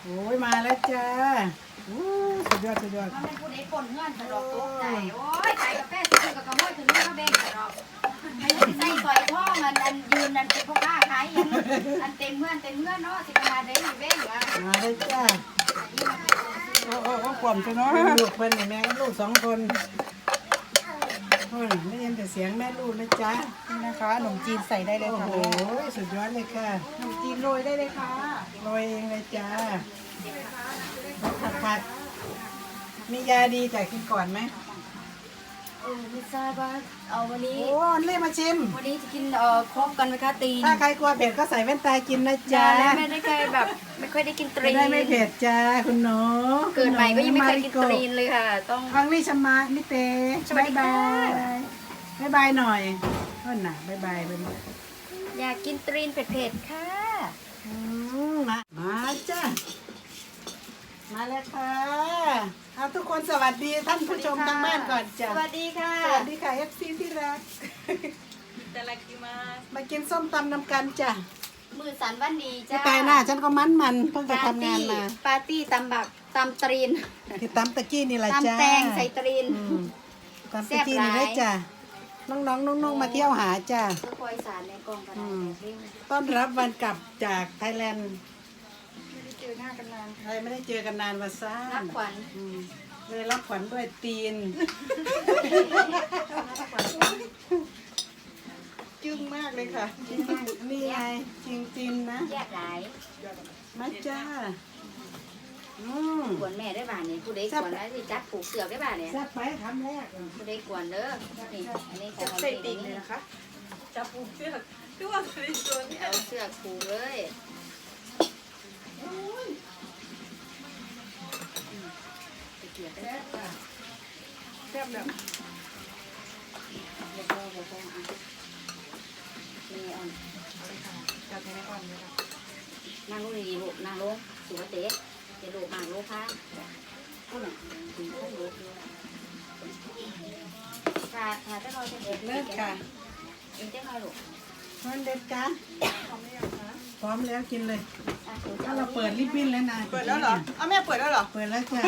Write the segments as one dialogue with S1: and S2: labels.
S1: โอ้ยมาแล้วจ้าสุดยอดสุดยอด
S2: มันเป็นผู้ใดคนเงื่อนตลอดตกใจโอ้ยขายกาแฟซื้อกับกระโมยถึงนี่มาเบ่งตลอดใส่ซอยท่ออันยืนอันเป็นพ่อค้าขายอันเต็มเงื่อนเนาะสิมาได้เบ่งอ่ะ
S1: มาเลยจ้าโอ้ความจะน้อยลูกเพิ่นแม่ลูก2 คนได้ยินแต่เสียงแม่ลูกนะจ๊ะ
S3: นี่นะคะขนมจีนใส่ได้เลย
S1: โอ้
S3: ค่ะ
S1: โหสุดยอดเลยค่ะ
S3: ขนมจีนโรยได้เลยค่ะ
S1: โรยเองเลยจ้าผัดมียาดีจ่ายกินก่อนไหม
S2: ไม่ทราบว่าเอาวันนี้
S1: โอ้เรียกมาชิม
S2: วันนี้จะกินครบกันไหมคะตีน
S1: ถ้าใครกลัวเผ็ดก็ใส่แว่นตากินนะจ๊ะ
S2: ไม่ได้เคยแบบไม่ค่อยได้กินตรีน
S1: ได้ไม่เผ็ดจ้าคุณหนู
S2: เกิดใหม่ก็ยังไม่เคยกินตรีนเลยค่ะ ต้อง
S1: ฟังนี่ชมานิเต
S2: สวัสดีค่ะ
S1: บ๊ายบายหน่อยบ๊ายบาย
S2: อยากกินตรีนเผ็ดๆค่ะ
S1: มาจ้ามาแล้วค่ะเอาทุกคนสวัสดีท่านผู้ชมทางบ้านก่อนจ้ะ
S2: สวัสดีค่ะ
S1: สวัสดีค่ะเอฟซีที่รักมากินส้มตำน้ำกันจ้ะ
S2: มือสันวันดี
S1: ที่
S2: จ้า
S1: ตายหน้าฉันก็มันเพิ่งไปทำงานมา
S2: ปาร์ตี้ตำบักตำตรีน
S1: ที่ตำตะกี้นี่แหละจ้า
S2: ตำแตงใส่ตรีน
S1: ตำตะกี้นี่ได้จ้ะน้องๆนุ่งๆมาเที่ยวหาจ้ะ
S2: เพื่อคอยสารในกล่องกระดาษเร่ง
S1: ต้อนรับวันกลับจากไทยแลนด์
S3: ไม่ได้เจอหน้ากันนาน
S1: ใครไม่ได้เจอกันนานวันซ่า
S2: รับขวัญ
S1: เลยรับขวัญด้วยตีน
S3: จึ้งมากเลยค่ะ
S1: นี่ไงจริงๆนะ
S2: แยกหลาย
S1: มาจ้า
S2: กวนแม่ได้บ้านเนี่ยผู้ใดกวนแล้วสิจัดผูกเสือกได้บ้านเนี่ย
S1: แซ่บไปคำแรก
S2: ผู้ใดกวนเด้อนี่อันนี้ของ
S3: ใส่ติ่งเลยนะคะ
S4: จับผูกเชือกคือว่าเคยชวนเนี่ย
S2: เอาเสือกผูกเลยไปเกี่ยวได้
S3: แซ่บแบบ
S2: เดี๋ยวพ่ออ่ะนี่อ่อน
S3: จัดให้แม่อ่อนเลยค่ะ
S2: นั่งลงดีๆลูกนั่งลงสุภาพเตะเดี๋ยวลูกนั่งลงค่ะผู้หนึ่งถึงขั้นลูกด้วยค่ะจะรอจะเด็ก
S1: เลิกค่ะ
S2: เองจะรอลูก
S1: มันเด็ดจ้า
S3: พร้อมหรือยังคะ
S1: พร้อมแล้วกินเลย
S2: ถ้า
S1: ถ้าเราเปิดลิบบิ้นแล้วนะ
S3: เปิดแล้วเหรอเอาแม่เปิดแล้วเหรอ
S1: เปิดแล้วจ้ะ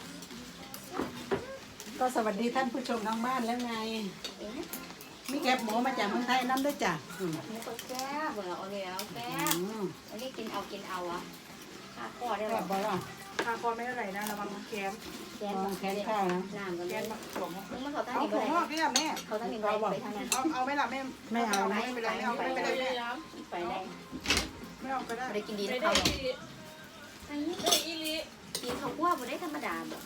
S1: ก็สวัสดีท่านผู้ชมทางบ้านแล้วไง มีแกบหมูมาจากเมืองไทยน้ำด้วยจ้ะ
S2: หมูก็แซ่บเบอร์เอาเลยเอาแซ่บอันนี้กินเอาอ่ะข้าข้อได้หร
S1: แซ่
S2: อบ
S1: บ่ล่ะ
S3: คาคอไม่เท่าไหร่นะระวังแคม
S2: แกน
S1: แค่ข้าวนะ
S2: น้ำกัน
S3: แค
S2: เลย
S3: มผักถั่วงอก
S2: มึงมาเขาตั้ง
S3: เอา
S2: นี่
S3: ถั่
S2: ไป
S3: วงอกนี่แหละแม่
S2: เขาตั้งนี่ไปทางนั้น
S3: เอาไหมล่ะแม่
S1: ไม่เอา
S3: ไม่
S1: นะ
S3: เป็นไรไม่เอาไม่เป็นไรแม่
S2: ไปได้
S3: ไม่เอาก็ได้
S2: ได้กินดี
S4: ได้
S2: นะ
S4: ได้
S2: เขา
S4: อีลิ
S2: อันนี้
S4: ได้อีลิ
S2: กินข้าวคั่วบ่ได้ธรรมดาบ่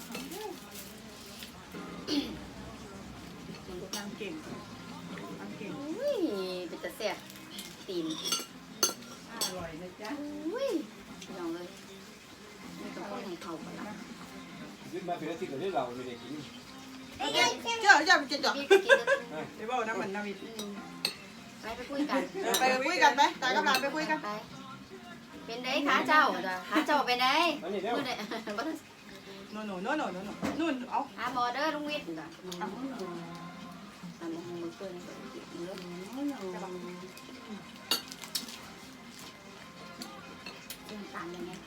S3: นางเก่งนางเก่ง
S2: อุ้ยเป็นตะแซ่บตีน
S1: อร่อยนะจ๊ะ
S2: อุ้ยลองเลยนี่ก็ต้องให้เขาไปละ
S5: ขึ้นมาเป็นอาทิตย์ก็ได้เราไม่ได้กิน
S3: เจ้าจะกินจ่อ
S2: พี่ก็กินแล้ว
S3: เดี๋ยวบอกนะเหมือนนาวิด
S2: ไปคุยกัน
S3: ไปคุยกันไหมตายกับหลานไปคุยกัน
S2: ไปเป็นไดขาเจ้าจ้ะขาเจ้าเป็นได
S5: อันนี้เดี๋ยว
S2: มื้อใดบ่ต้อง
S3: โน่นโน่นโน่นโน่นนู่นเอา
S2: หาหมอเด้อลุงวิทย์จ้ะตามมือเปิ้นเด้อตามยังไง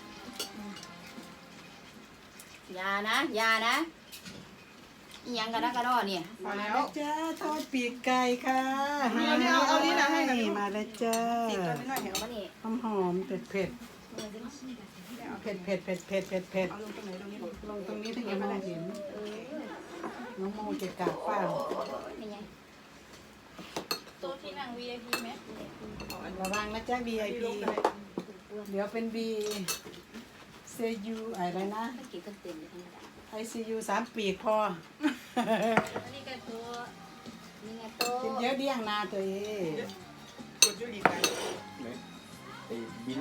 S2: ยานะอีหยังกันนะกระดอเนี่ย
S3: มา
S1: มา
S3: แล้
S1: แล้ว วจ้าทอดปีกไก่ค่ะ
S3: เอานี่นะให้หน่อย
S1: มาแล้วจ้า
S3: ติดกันนิดหน่อยเห็น
S2: เอามานี่
S1: หอมๆเผ็ดเผ็ดเผ็ดเผ็ดเผ็ดเผ็ดเผ็ดเผ็ด
S3: เอาลงตรงไหนตรงนี้
S1: ลงตรงนี้ถึงจะมาเห็น
S2: เออ
S1: น้องโมเกะกะเปล่า
S2: นี่ไง
S4: โต๊ะที่นั่ง VIP ไหม
S1: ระวังนะจ้า VIP เดี๋ยวเป็น B CU อะไรนะ
S2: ไม่กินกันเต็มเลยธรรมดา
S1: ICU 3 ปีกพอ
S4: อันนี้ก็ตัว
S2: นี่ไงโต๊
S1: กินเยอะเดี้ยงนาตัวเอง
S3: กดยูรีกัน
S5: ไอ้บิน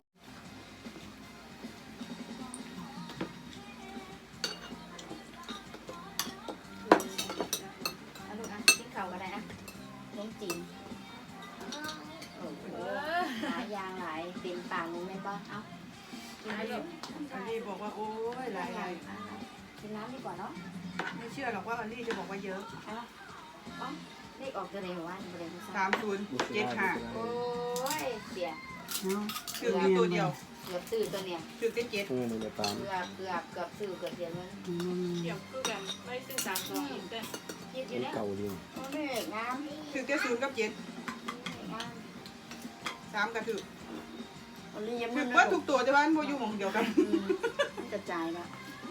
S2: เอาลูกอ่ะกินข้าวก็ได้อ่ะน้องจีนโอ้โหหลายอย่างหลายเต็มปากหนูแม่นบ่เอากินไปลูก
S3: อันนี้บอกว่าโอ้ยหลายหลาย
S2: กินน้ำดีกว่าเนาะ
S3: ไม่เชื่อหรอกว่าอันนี้จะบอกว่าเยอะ
S2: เอาอ๋อเลขออกตัวไหนหัวว่าบริเวณ
S3: 3075
S2: โอ้ยเดี๋ยว
S1: เนาะ
S3: ถืออยู่ตัวเดียว
S2: เกือบซื้อตัวเนี่ย
S3: ถือแค่7
S5: มันจะตาม
S2: เกือบซื้อเกือบเสียเงิน
S4: เกี่ยวคือกันไม่ซื้อ3 2อีกแต่
S2: คิดอยู่เนี่ย
S5: เก่าดี
S2: โอ้ยงาม
S3: ถือแค่0กับ7
S2: งาม
S3: 3ก็ถือ
S2: วันนี้ยัง
S3: ถื
S2: ไม่
S3: อ
S2: นะ
S3: ว่าทุกตัวแต่ว่ามันบ่อยู่หม่องเดียวกัน
S2: มันกระจายแล้ว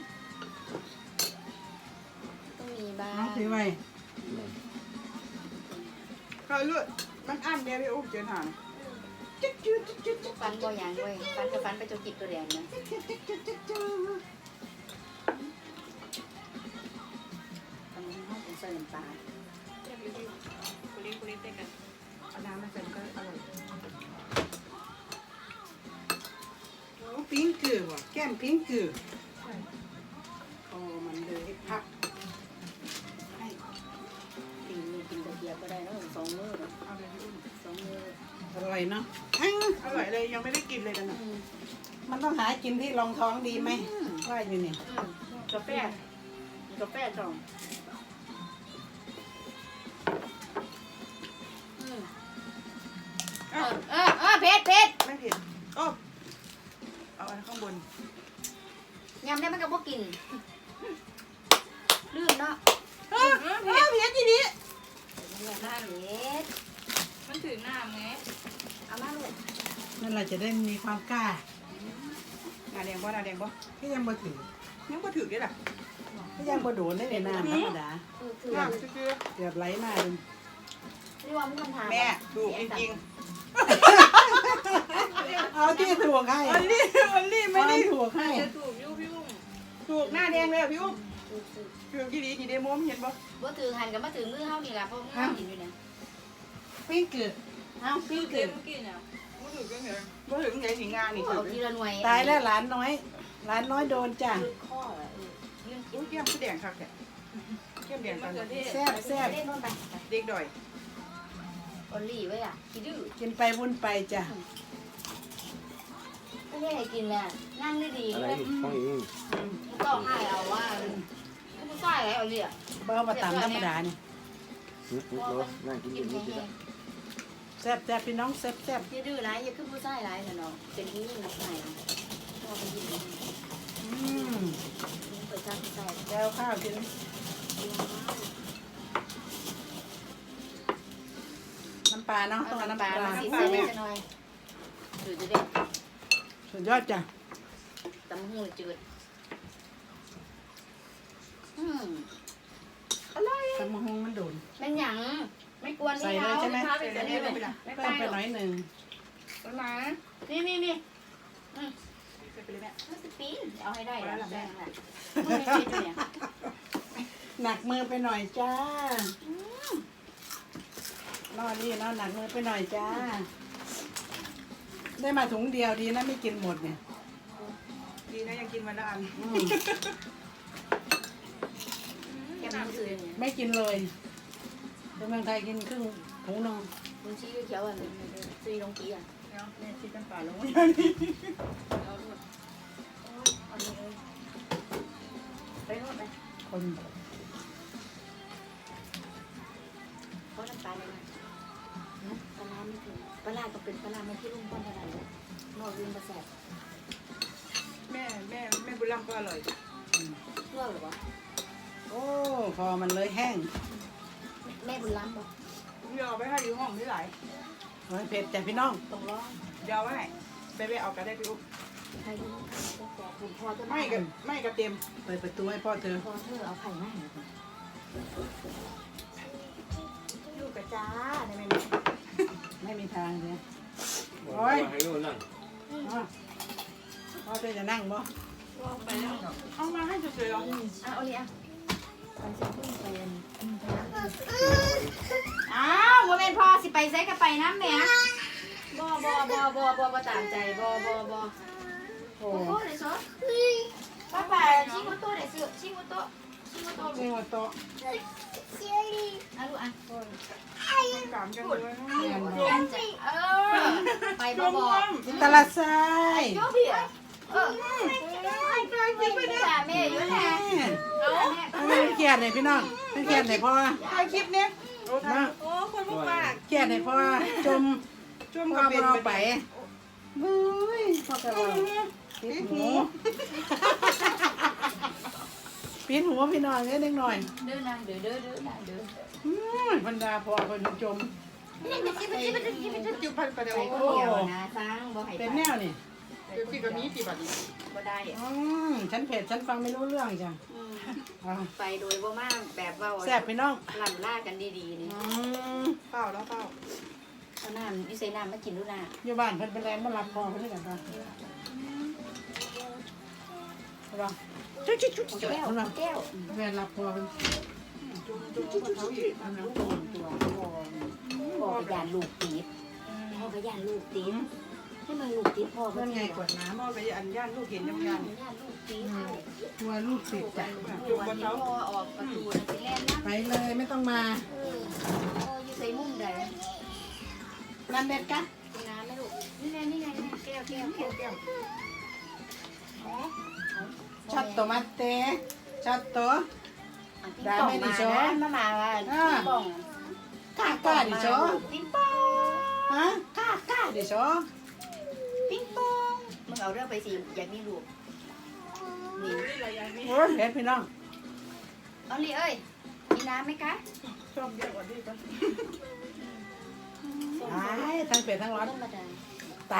S2: ต้องมีบ้าง
S1: เอาถือไว้
S3: เขาเลือดมันอั้นเด้พี่อุ๊บเจนหานะ
S2: ฟันบ่อย่างเว้ยฟันกับฟันไปจนจิบตัวแดงนะฟันห้องเป็นใส่น้ำตาล
S4: เรียกรีวิวคุริคุริเต้กัน
S3: เอาน้ำมาใส่มันก็อร่อยโอ้ปิ้งเกลือว่ะแก้มปิ้งเกลือโอ้มันเลยพักให้
S2: ปีนี้กินกระเทียมก็ได้แล้ว2 มื้อเนาะ
S3: เอาเลยพี่อุ้ม
S2: 2 มื้อ
S1: อร่อยเนาะ
S3: อร่อยเลยยังไม่ได้กินเลยกันนะ
S1: มันต้องหากินที่รองท้องดีไหมว่าอยู่นี่
S2: กาแฟกาแฟจ่องเผ็ด
S3: ไม่เผ็ดโอ้เอาอันข้างบน
S2: ยำได้มันก็บ่กินลืมเนาะ
S3: เผ็ดทีนี้
S2: หน้าเผ็ด
S4: มันถือหน้าไง
S2: เอามาลูก
S1: นั่นแหละจะได้มีความกล้า
S3: หน้าแดงบ่หน้าแดงบ่
S1: ที่ยังบ่ถือ
S3: ยังบ่ถือได้ล่ะ
S1: ที่ยังบ่โดนได้ในน้ำธรรมดา
S2: คือ
S3: น้ำซื่อ
S1: เกือบไหลมาเลย
S2: นี่ว่ามึงคำถาม
S3: ๆแม่ถูกจริง
S1: เอาที่ถูกให้
S3: ๆวันนี้ไม่ได้
S1: ถูกให้
S4: จะถูกยุ่พี่อุ้ม
S3: ถูกหน้าแดงเลยพี่อุ้มถูกกี่ดีกี่เดโมมเห็นบ่
S2: บ่ถือหันกับมาถือมือเฮานี่ล่ะเพราะมึงกินอยู่เนี่ย
S1: ปิ้งเกือบเอาปิ้ง
S4: เกิ
S1: เกื
S4: น
S1: อบ
S4: เมื่อกี้เนี่ย
S3: บ่ถือก็เหรอบ่ถือไงสิงานนี่ถื
S2: เอา
S3: อ
S2: ทีละหน่วย
S1: ตายแล้วหลานน้อยหลานน้อยโดนจ้ะ
S2: คือข้อยืนกิ
S3: อุ้
S2: น
S3: ยแก้มคือแดงคักแท้แก้มแดง
S4: มะ
S3: กัน
S4: เขือเทศ
S1: แซ่บแซ่บ
S2: เล่นนู่นไป
S3: เด็กดอย
S2: ออลลี่ไว้อ่ะคิดดื้อ
S1: กินไปวุ่นไปจ้ะ
S2: ไม่ได้ให้กินแหละนั่งดีๆ
S5: อะไร
S2: เลย
S5: ห้องอีก
S2: มึงต้องให้เอาว่ามึงใส่อะไรเอาเลยอ่ะ
S1: เบามาตามธรรมดานี่
S5: รถนั่งกินอยู่นี่จ้ะ
S1: แซ่บแซ่บพี่น้องแซ่บแซ่บ
S2: อย่าดื้อนะอย่าขึ้นผู้ใส่ร้ายนะเนาะเป็นที่นี่นะใส่พ่อเป็นที่นี่ เปิดจ้าใส่
S1: แล้วข้าวกินน้ำปลาเนาะต้องเอา
S2: น้ำ
S1: น้ำ
S2: ป
S1: ป
S2: ลา
S1: ลา
S2: สีเส้นจะหน่อยจืดจะเด็ด
S1: สุดยอดจ้ะ
S2: ตำหูจืดอร่อย
S1: ตำมะฮงมันโดน
S2: เป็นหยังไม่กวนนี่เขา
S3: ใส่อันนี้ลงไปละ
S2: ไม่
S1: เพิ่มไปหน่อยหนึ่ง
S2: ประมาณนี่
S3: ใส่ไปเลยแม่
S2: มันจะปีนเอาให้ได้แล้วแบ่งแหละมันไม่ปีนอยู่เนี่ย
S1: หนักมือไปหน่อยจ้า นอนี่เนาะหนักมือไปหน่อยจ้า ได้มาถุงเดียวดีนะไม่กินหมดเนี่ย
S3: ดีนะยังกินวันละอัน
S1: อืม
S2: แกมันซื้อเนี่ย
S1: ไม่กินเลยเป็นเมืองไทยกินครึ่งถุงนึง
S2: คุณชี้เขียวอ่ะซื้อลงกี้อ่ะ
S3: เนาะแม่ชิดกันป่าลง
S2: เอาหมดเอานี้เลยไปโน่นไป
S1: คน
S2: เขาน้ำตาลเลยนะปลาไม่ถึงปลาก็เป็นปลาไม่ที่รุ่งป้อนเท่าไหร่เลยนอกยืนมาแสบ
S3: แม่บุญรำก็อร่อย
S2: เพื่อหรือวะ
S1: โอ้พอมันเลยแห้ง
S2: แม่บุญล้ำบอก
S3: เดี๋ยวเอาไปให้อยู่ห้องที่ไหน
S1: โอ้ยเผ็ดจ้ะพี่น้อง
S2: ตรงร้อง
S3: เดี๋ยวเอาไว้ไปเอากันได้พี่อุ๊บ
S2: ใครรู้ก็แสบคุณพ่อจะ
S3: ไม่กับเต็ม
S1: เปิดประตูให้พ่อเธอ
S2: พอเธอเอาไข่มาให้หน่อย
S3: ลูกกระจ้าได้ไหม
S1: ไม่มีทางเลย
S5: ให้ลูกนั่ง
S1: อ๋อพ่อเธอจะนั่งบ่
S4: ว่าไปแล้ว
S3: เอามาให้เฉยๆเหรอ
S2: เอาเลยอ่ะไปสิพึ่งไปอ้าว่าเป็นพ่อสิไปใส่กับไปน้ำแม่บ่ตามใจบ่
S1: โอ้
S2: โอ้เลยซอป้าชิโมโต้เลยซื้อชิโมโต้
S1: นี่ว่าโต๊ะ
S2: อ่ะลูกอ่ะ
S3: กามกันเลย
S2: ไปบ่
S1: ตลาดทราย
S2: โยเบียแม่อยู่แน่
S1: ไม่เกลียดเลยพี่น้องไม่เกลียดเลยพ่อ
S3: ถ่ายคลิปเนี้ยโอ้
S1: นะ
S4: โอ้คนพวกปาก
S1: เกลียดเลยพ่อจม
S3: ช่วง
S1: พ่อ
S3: กับเป็น
S1: เอาไปเฮ้ยพ่อกระบอกปิดหูปิดหูพี่น้อยนิดหน่อย
S2: เด้อนางเด้อนาเด้อบ
S1: รรดาพ่อคนจม
S3: จุบพันไปเดี๋ยว
S2: ไปคนเดียวนะสร้างบ่ให้
S1: เป็นแนวนี่
S3: พี่ก็มีกี่บาทนี่
S2: บ่ได้
S1: ฉันเผ็ดฉันฟังไม่รู้เรื่องจ้ะ
S2: ไปโดยบ่มาแบบว่า
S1: แซ่บพี่น้อง
S2: ลั่นล่ากันดีๆนี่
S3: เปล่าแล้วเปล่า
S2: เอาน้ำอยู่ใส่น้ำมากินดูนะ
S1: อยู่บ้านเพิ่นเป็นแรงมารับพ่อเพิ่นด้วยกันป่ะรอจุ๊จุ๊จุ๊จุ๊
S2: แก้ว
S1: เพิ่นว่า
S2: แก้ว
S1: แม่รับพ่อเพิ่น
S2: อันนั้นตัวพ่อก็ยานลูกติดพ่อก็ยานลูกติดให้มันลูกติดพ่อ
S1: เพิ่นไงกดน้
S3: พ่อไปอันย่านลูกเห็นยังยัน
S2: ยานลูกติด
S1: ำตัวลูกติดจ้ะ
S2: วันนี้พ่อออกประตูนะสิแล่นนะ
S1: ไปเลยไม่ต้องมา
S2: พ่ออยู่ใส่มุมใด
S1: น้ำเด็ดกะ
S2: น้ำไหมลูกนี่ไงแก้ว
S1: ช็อตโตมาเต้ช็อตโต
S2: ได้ไม่ดิโชมาว่าป่อง
S1: ก้าดิโช
S2: ปิ้งปอง
S1: ฮะก้าดิโช
S2: ปิ้งปองมึงเอาเรื่องไปสิอยากมีลูกนี่
S1: โอ้ยเผ็ดพี่น้อง
S2: เอาดิเอ้ยมีน้ำไหมคะ
S3: ชอบเยอะกว่าที่ปะ
S1: ตายทั้งเผ็ดทั้งร้อน
S2: ธรรมดา
S1: ตาย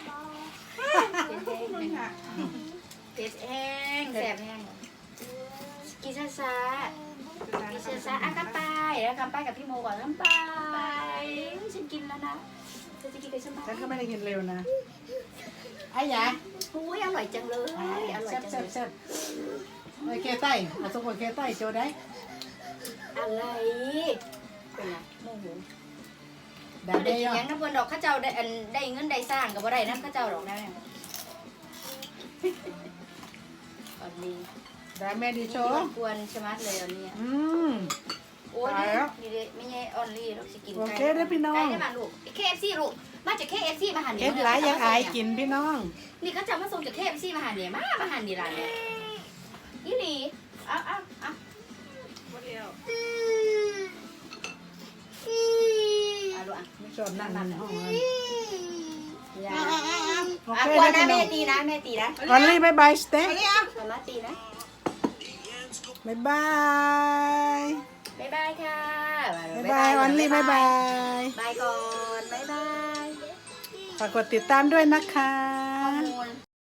S2: เผ็ดแห้งแสบแห้งกินช้าอ่ะกำไปแล้วกำไปกับพี่โมก่อนกำไปฉันกินแล้วนะจะกินกับฉันไหม
S1: ฉันก็ไม่ได้กินเร็วนะไอ้ยา
S2: อุ้ยอร่อยจังเลยอร่อยจังเลย
S1: แซ่บไอ้เคใต้เอาสมบูรณ์เคใต้โจได้
S2: อะไรเป็นไงโมโห
S1: ได้
S2: ได้
S1: ได้
S2: ยั
S1: ยัง
S2: น้ำบนดอกข้าเจ้าได้อันได้เงินได้สร้างกับบ่ได้น้ำข้าเจ้าดอกนะเนี่ยตอนนี้
S1: ได้แม่ดีโช
S2: กวนชะมัดเลยตอนนี้ โอ้ยนี่ไม่ใช่ออนลี่เราสิกินไก่ได้มาลูก KFC ลูกมาจาก KFC มาหัน
S1: เอ็ดหลายยังอายกินพี่น้อง
S2: นี่เขาจะมาส่งจาก KFC มาหันเนี่ยมาหันนี่ร้านเนี่ยอีหลีเอา
S4: หมดแล้ว
S2: ลูกอ่ะ
S1: ไม่ชอบนั่งในห้องเลย
S2: อย่า
S1: โอเค
S2: กวน
S1: ได้
S2: นะ
S1: พี่น้
S2: แม่
S1: อง
S2: ตีนะ
S1: ออนลี่บายบายสเต็ก
S2: มาตีนะ
S1: บายบาย
S2: บ๊ายบายค่ะ
S1: บายบายออนลี่บายบาย
S2: บายก่อนบ๊ายบาย
S1: ฝากกดติดตามด้วยนะคะ